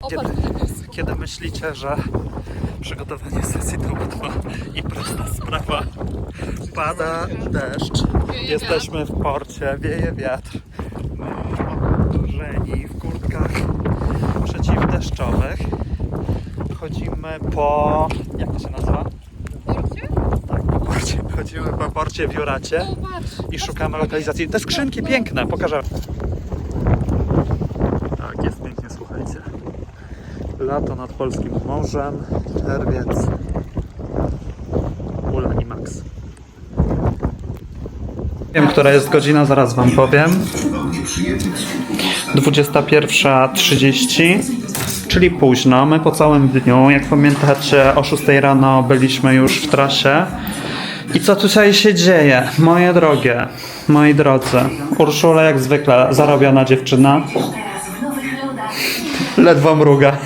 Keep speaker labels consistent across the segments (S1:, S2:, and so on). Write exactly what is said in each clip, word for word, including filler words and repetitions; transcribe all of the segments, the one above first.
S1: Kiedy, kiedy myślicie, że przygotowanie sesji to łatwa i prosta sprawa, pada deszcz, jesteśmy w porcie, wieje wiatr, my okurzeni w kurtkach przeciwdeszczowych, chodzimy po... jak to się nazywa?
S2: Porcie?
S1: Tak, po porcie. Chodzimy po porcie w Juracie
S2: O, patrz.
S1: i szukamy lokalizacji. Te skrzynki piękne, pokażę. Tak, jest pięknie, słuchajcie. Lato nad polskim morzem, czerwiec, Ula i Max. Wiem, która jest godzina, zaraz wam powiem. dwudziesta pierwsza trzydzieści, czyli późno. My po całym dniu, jak pamiętacie, o szóstej rano byliśmy już w trasie. I co tutaj się dzieje? Moje drogie, moi drodzy, Urszula jak zwykle zarobiona dziewczyna. Ledwo mruga.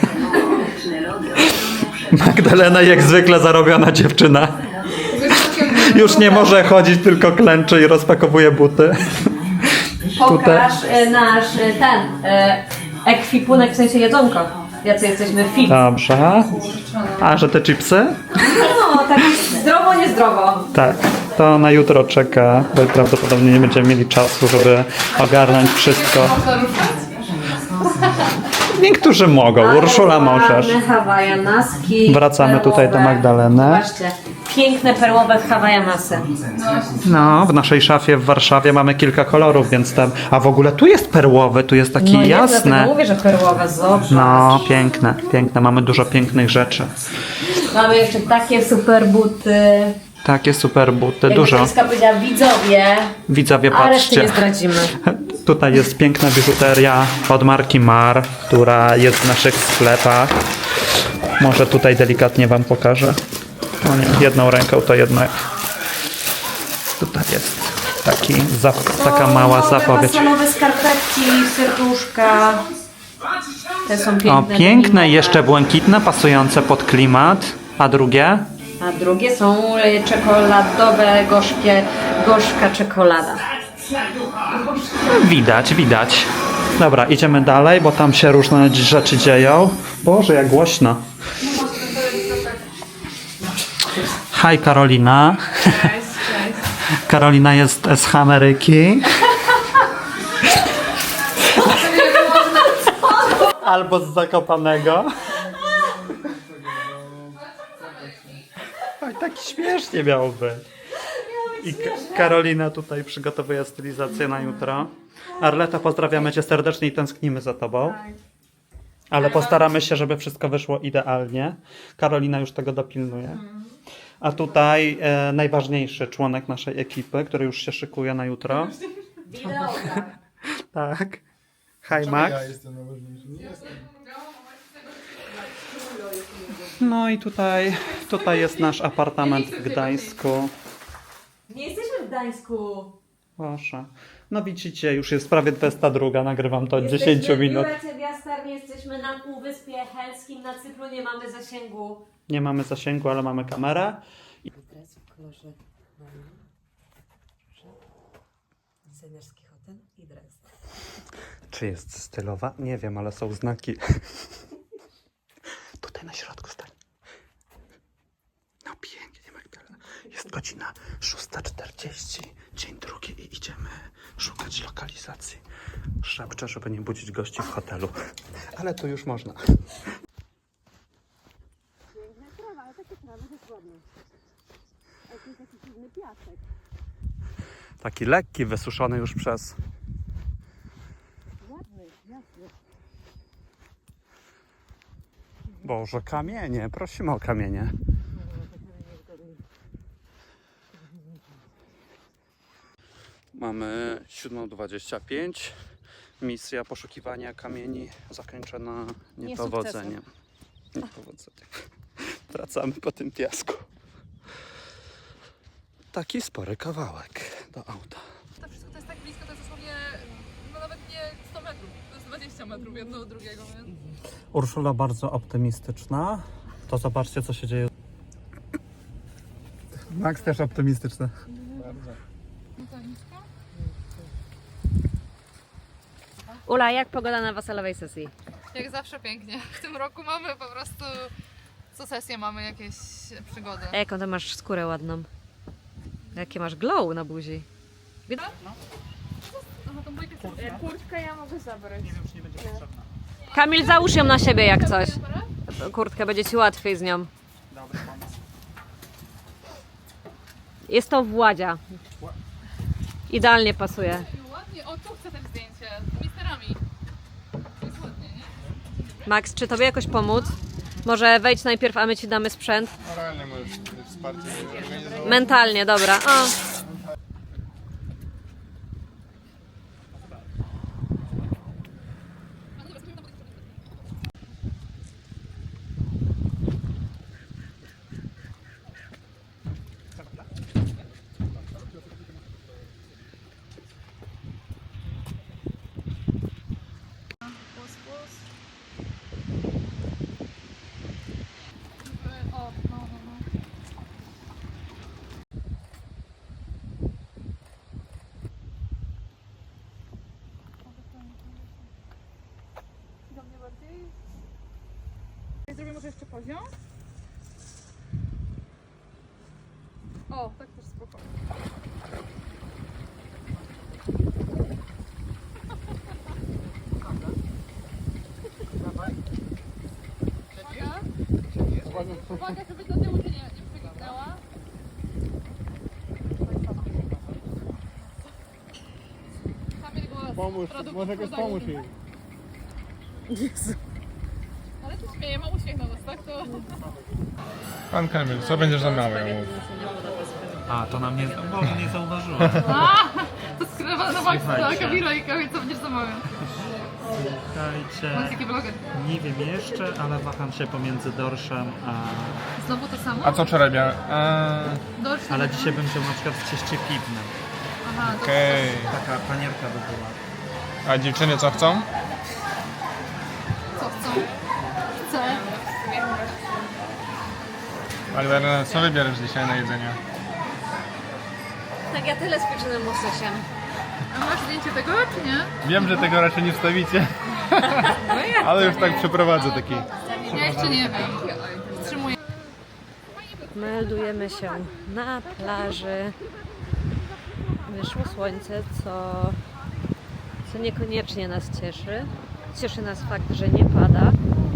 S1: Magdalena jak zwykle zarobiona dziewczyna. Już nie może chodzić, tylko klęczy i rozpakowuje buty.
S3: Pokaż e, nasz e, ten e, ekwipunek, w sensie jedzonko. Jacy jesteśmy fit.
S1: Dobrze. A, że te chipsy?
S3: No, tak zdrowo, niezdrowo.
S1: Tak. To na jutro czeka, bo prawdopodobnie nie będziemy mieli czasu, żeby ogarnąć wszystko.
S2: Można ruszać?
S1: Niektórzy mogą. Urszula możesz.
S3: Ładne hawajanaski.
S1: Wracamy tutaj do Magdaleny.
S3: Zobaczcie, piękne perłowe hawajanasy.
S1: No, w naszej szafie w Warszawie mamy kilka kolorów, więc tam... A w ogóle tu jest perłowy, tu jest taki
S3: No jest,
S1: jasny.
S3: dlatego mówię, że perłowe, zobacz.
S1: No, piękne, piękne. Mamy dużo pięknych rzeczy.
S3: Mamy jeszcze takie super buty.
S1: Takie super buty,
S3: Jak
S1: dużo.
S3: Kryska powiedziała, widzowie.
S1: Widzowie,
S3: A reszty
S1: patrzcie.
S3: nie zdradzimy.
S1: Tutaj jest piękna biżuteria od marki Mar, która jest w naszych sklepach. Może tutaj delikatnie wam pokażę. O nie, jedną ręką to jednak. Tutaj jest taki zap- taka mała
S3: nowe
S1: zapowiedź.
S3: fasonowe skarpetki, serduszka. Te są piękne.
S1: O, piękne, jeszcze błękitne, pasujące pod klimat. A drugie?
S3: A drugie są e, czekoladowe, gorzkie, gorzka czekolada.
S1: Widać, widać. Dobra, idziemy dalej, bo tam się różne rzeczy dzieją. Boże, jak głośno. Hi Karolina.
S2: Cześć, cześć.
S1: Karolina jest z Ameryki. Albo z Zakopanego. Oj, tak śmiesznie miało być. I Ka- Karolina tutaj przygotowuje stylizację na jutro. Arleta, pozdrawiamy cię serdecznie i tęsknimy za tobą. Ale postaramy się, żeby wszystko wyszło idealnie. Karolina już tego dopilnuje. A tutaj e, najważniejszy członek naszej ekipy, który już się szykuje na jutro. Tak. Hi Max.
S4: Ja jestem najważniejszy. Nie jestem.
S1: No i tutaj, tutaj jest nasz apartament w Gdańsku.
S3: Nie jesteśmy w Gdańsku.
S1: Proszę. No widzicie, już jest prawie dwudziesta druga, nagrywam to od
S3: Jesteśmy
S1: dziesięć minut.
S3: w Juracie Biastarnie, jesteśmy na Półwyspie Helskim, na Cypru nie mamy zasięgu.
S1: Nie mamy zasięgu, ale mamy kamerę.
S3: Dres w kolorze designerski hotel i dres.
S1: Czy jest stylowa? Nie wiem, ale są znaki. Tutaj na środku stań. No pięknie, Magdalena. Jest godzina szósta czterdzieści, dzień drugi i idziemy szukać lokalizacji. Szepczę, żeby nie budzić gości w hotelu. Ale tu już można. Taki lekki, wysuszony już przez... Boże, kamienie, prosimy o kamienie. Mamy siódma dwadzieścia pięć. Misja poszukiwania kamieni zakończona niepowodzeniem. Niepowodzeniem. Wracamy po tym piasku. Taki spory kawałek do auta.
S2: To wszystko to jest tak blisko, to jest dosłownie, no nawet nie sto metrów, to jest dwadzieścia metrów jedno od drugiego, więc...
S1: Urszula bardzo optymistyczna. To zobaczcie, co się dzieje. Max też optymistyczny.
S3: Ula, jak pogoda na wasalowej sesji?
S2: Jak zawsze pięknie. W tym roku mamy po prostu... Co sesję mamy jakieś przygody.
S3: Jaką ty masz skórę ładną. Jakie masz glow na buzi.
S2: Aha, tą bójkę chcę.
S4: Kurtkę ja mogę zabrać.
S1: Nie wiem, czy nie będzie potrzebna.
S3: Kamil, załóż ją na siebie jak coś. Kurtkę, będzie ci łatwiej z nią.
S1: Dobry pomysł.
S3: Jest to Władzia. Idealnie pasuje.
S2: Ładnie, o tu chcę też zdjęcie z misterami. To jest ładnie, nie?
S3: Max, czy tobie jakoś pomóc? Może wejdź najpierw, a my ci damy sprzęt.
S5: Moralnie możesz wsparcie zorganizować.
S3: Mentalnie, dobra. O.
S2: O, no, no, no. Do mnie bardziej. Zrobię może jeszcze poziom? O, tak też spoko. Uwaga. Uwaga, żeby do tyłu się nie, nie przeginęła. Kamil głos.
S5: Pomóż,
S2: Produkt
S5: może jakoś
S2: podaży.
S5: pomóż jej.
S2: Ale się śmieje, ma uśmiech na nos, tak? To...
S5: Pan Kamil, co będziesz zamawiał?
S1: A, to nam nie, bo nie zauważyła.
S2: To skrywa na maksa,
S1: Słuchajcie.
S2: Kamila i Kamil, co będziesz zamawiał?
S1: Słuchajcie,
S2: Bądź taki vloger.
S1: nie wiem jeszcze, ale waham się pomiędzy dorszem a...
S2: Znowu to samo?
S5: A co wczoraj miałem? Eee,
S2: Dorsz,
S1: Ale dzisiaj bym chciał na przykład w cieście piwnym.
S2: Aha, to
S5: Okej.
S1: Taka panierka by była.
S5: A dziewczyny co chcą?
S2: co chcą? Chcę.
S5: Alberta, co wybierasz dzisiaj na jedzenie?
S3: Tak, ja tyle z pieczonym łososiem.
S2: A masz zdjęcie tego, czy nie?
S5: Wiem, że tego raczej nie wstawicie. Ale już tak przeprowadzę taki.
S2: Ja jeszcze nie wiem. Wstrzymuję.
S3: Meldujemy się na plaży. Wyszło słońce, co, co niekoniecznie nas cieszy. Cieszy nas fakt, że nie pada.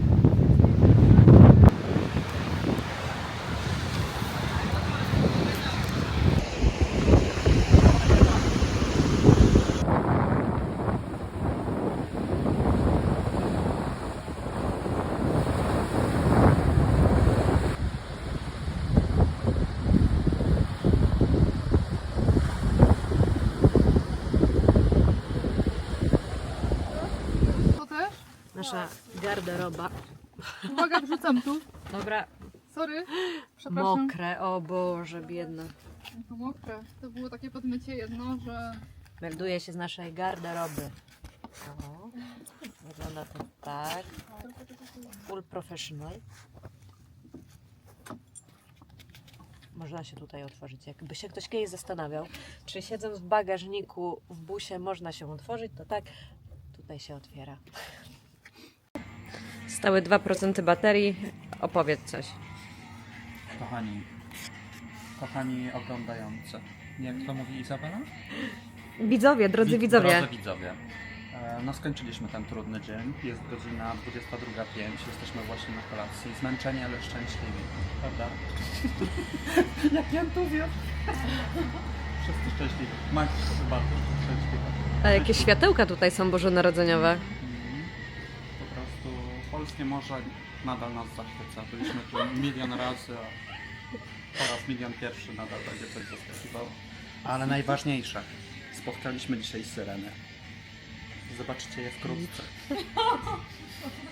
S2: To też?
S3: Nasza garderoba.
S2: Uwaga, wrzucam tu.
S3: Dobra,
S2: Sorry. Przepraszam.
S3: mokre, o Boże, biedne.
S2: To mokre. To było takie podmycie jedno, że...
S3: Melduje się z naszej garderoby. O, wygląda to tak. Full professional. Można się tutaj otworzyć. Jakby się ktoś kiedyś zastanawiał, czy siedząc w bagażniku w busie można się otworzyć, to tak, tutaj się otwiera. Stały dwa procent baterii. Opowiedz coś.
S1: Kochani, kochani oglądający. Jak to mówi Izabela?
S3: Widzowie, drodzy widzowie.
S1: Drodzy widzowie. E, No skończyliśmy ten trudny dzień. Jest godzina dwudziesta druga pięć. Jesteśmy właśnie na kolacji. Zmęczeni, ale szczęśliwi. Prawda? Jak ja tu wiem. Wszyscy szczęśliwi. Max chyba też szczęśliwa.
S3: A jakie światełka tutaj są bożonarodzeniowe.
S1: Mhm. Po prostu polskie morze nadal nas zachwyca. Byliśmy tu milion razy, a po raz milion pierwszy nadal będzie coś zaskakiwało. Ale najważniejsze, spotkaliśmy dzisiaj syrenę. Zobaczycie je wkrótce.